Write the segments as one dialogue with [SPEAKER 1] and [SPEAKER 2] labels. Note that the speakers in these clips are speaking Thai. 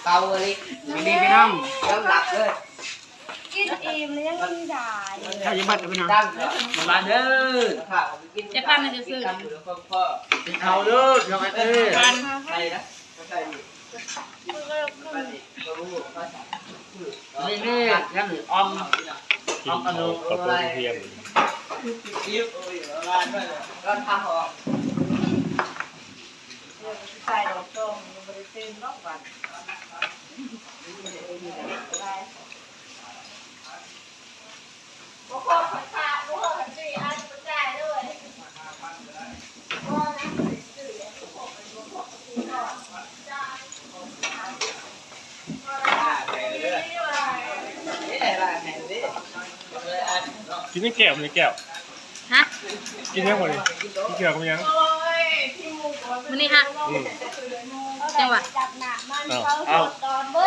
[SPEAKER 1] เกาเลยไม่ดีพี่น้องแล้วหลับเลย
[SPEAKER 2] กินอิ่มเลยยังไม่ได้
[SPEAKER 1] ถ้ายังบัดพี่น้องมาเด้อ
[SPEAKER 3] จะพามันจะซื้อ
[SPEAKER 1] กินข้าวเด้อน้องไอ้เต้ใส่นะใส่นี่ยังออมกระดูกอะไรยิ้มโอ้ยร้านด้วยร้านข้าวหอม
[SPEAKER 2] ใส่ดอกส้มยังไม่ได้เต็มรอบวันโอ้โหขอขาดโอ้โหขันจีอันกระจายด้วยโอ้นะสื่อเนี่ยโอ้โหเป็นโอ้โหตีก่อนจ้า
[SPEAKER 4] กินยังแก้วมันยังแก้ว
[SPEAKER 3] ฮะ
[SPEAKER 4] กินยังหมดเลยกินแก้วมันยัง
[SPEAKER 3] มันนี่ฮะจังหวะ
[SPEAKER 2] จับหนักมันเขาตอนเบิด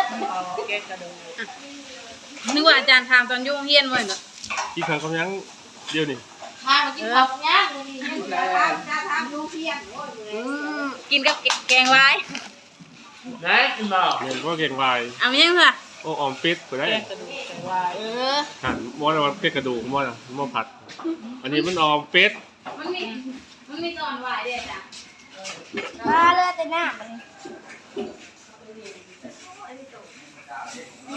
[SPEAKER 3] นึกว่าอาจารย์ทำตอนยุ่งเฮียนไว้เนาะ
[SPEAKER 4] กินข้าวกับยังเดียวนี่
[SPEAKER 2] ทางกินของเนี้ยนี่ทางดูเพียง
[SPEAKER 3] กินกับแกงไว้
[SPEAKER 1] ไหนกินบ่
[SPEAKER 4] เรียนก็เก่งวาย
[SPEAKER 3] เอายังค่ะ
[SPEAKER 4] โอ้ออมเป็ดไปได้
[SPEAKER 3] เออ
[SPEAKER 4] หันมอสเป็ดกระดูกมอสมอผัด อันนี้มันออมเป็ด
[SPEAKER 3] มันมีตอนไหวเด็ดอ่ะ
[SPEAKER 2] มาเลยแต่หน้ามัน